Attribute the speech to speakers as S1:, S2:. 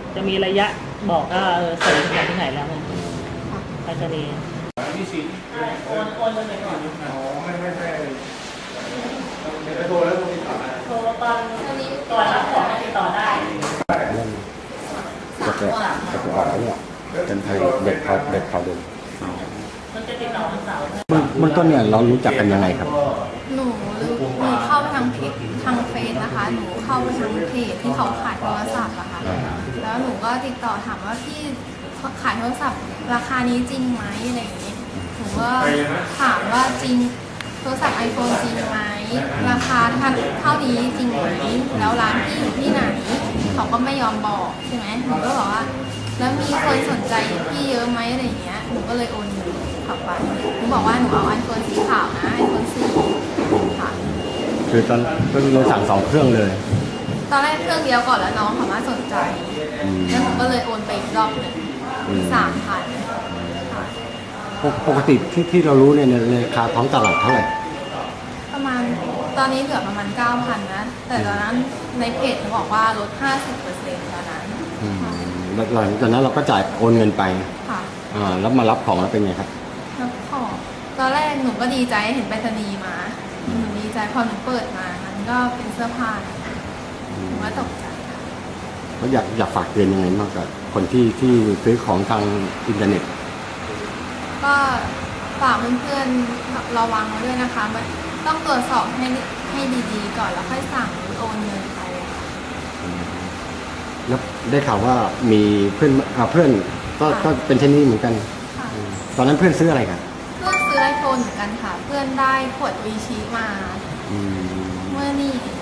S1: จะมีระยะบอกว่าส่งถึงที่ไหนแล้วไงไปรษณีย์โอนเลยก่อน
S2: อ๋อไม่ใช่ไปโทรแล้วโทรติดต่อ
S1: โทรตอนก่อนรับของติดต่อได้
S3: จะออกแล้วเนี่ยเป็นไทยเด็กเขาเดิน
S1: มันจะติดต่อวันเสาร์
S3: เบื้องต้นเนี่ยเรารู้จักกันยังไงครับ
S4: หนูเข้าไปทางเพจทางเฟซนะคะหนูเข้าไปทางเพจที่เขาขายโทรศัพท์อะค่ะแล้วหนูก็ติดต่อถามว่าพี่ขายโทรศัพท์ราคานี้จริงไหมอะไรอย่างนี้หนูก็ถามว่าจริงโทรศัพท์ iPhone จริงไหมราคาเท่านี้จริงไหมแล้วร้านพี่อยู่ที่ไหนเขาก็ไม่ยอมบอกใช่ไหมหนูก็บอกว่าแล้วมีคนสนใจพี่เยอะไหมอะไรอย่างเงี้ยหนูก็เลยโอนเงินเข้าไปหนูบอกว่าหนูเอา iPhone สีขาวนะ iPhone 4ค่ะ
S3: คือตอนเราสั่ง2 เครื่องเลย
S4: ตอนแรกเครื่องเดียวก่อนแล้วน้องเขามาสนใจแล้วผมก็เลยโอนไปอีกรอบหนึ่ง3,000
S3: ปกติที่เรารู้เนี่ยราคาท้องตลาดเท่าไหร่
S4: ประมาณตอนนี้เหลือประมาณ 9,000 นะแต่ตอนนั้นในเพจเขาบอกว่าลด 50% ตอนนั้น
S3: หลังจากนั้นเราก็จ่ายโอนเงินไป
S4: ค่ะ
S3: แล้วมารับของแล้วเป็นไงครับ
S4: รับของตอนแรกหนูก็ดีใจเห็นไปรษณีย์มาหนูดีใจพอหนูเปิดมามันก็เป็นเสื้อผ้าหนูก็ตกใจค่ะ
S3: เขาอยากฝากเตือนยังไงมากกับคนที่ซื้อของทางอินเทอร์เน็ต
S4: ก็ฝากเพื่อนๆระวังด้วยนะคะมันต้องตรวจสอบให้ดีๆก่อนแล้วค่อยสั่งหรือโอนเงินไป
S3: แล้วได้ข่าวว่ามีเพื่อนก็เป็นเช่นนี้เหมือนกันตอนนั้นเพื่อนซื้ออะไรกัน
S4: เพื่อนซื้อไอโฟนเหมือนกันค่ะเพื่อนได้ขวดวีชีมาเมื่อนี่